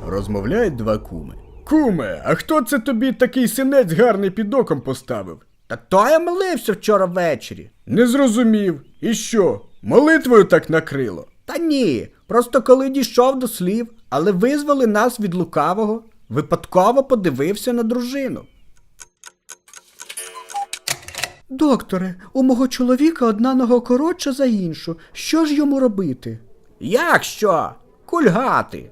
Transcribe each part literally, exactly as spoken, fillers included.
Розмовляють два куми. Куме, а хто це тобі такий синець гарний під оком поставив? Та то я молився вчора ввечері. Не зрозумів. І що, молитвою так накрило? Та ні, просто коли дійшов до слів, але визвали нас від лукавого, випадково подивився на дружину. Докторе, у мого чоловіка одна нога коротша за іншу. Що ж йому робити? Як що? Кульгати.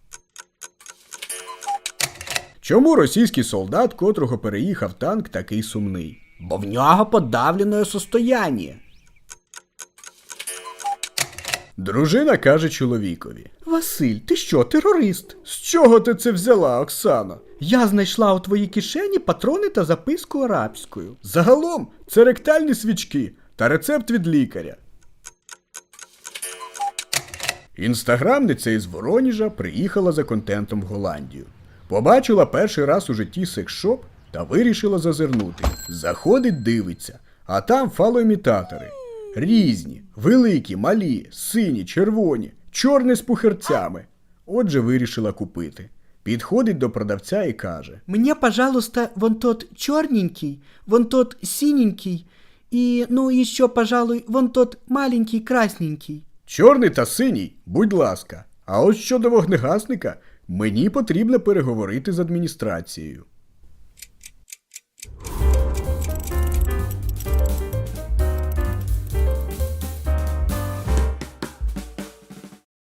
Чому російський солдат, котрого переїхав танк, такий сумний? Бо в нього подавлене состояння. Дружина каже чоловікові. Василь, ти що, терорист? З чого ти це взяла, Оксано? Я знайшла у твоїй кишені патрони та записку арабською. Загалом, це ректальні свічки та рецепт від лікаря. Інстаграмниця із Воронежа приїхала за контентом в Голландію. Побачила перший раз у житті секс-шоп та вирішила зазирнути. Заходить, дивиться, а там фалоімітатори. Різні, великі, малі, сині, червоні, чорні з пухирцями. Отже, вирішила купити. Підходить до продавця і каже. Мне, пожалуйста, вон тот черненький, вон тот синенький и, ну, еще, пожалуй, вон тот маленький красненький. Чорний та синій, будь ласка. А ось щодо вогнегасника, мені потрібно переговорити з адміністрацією.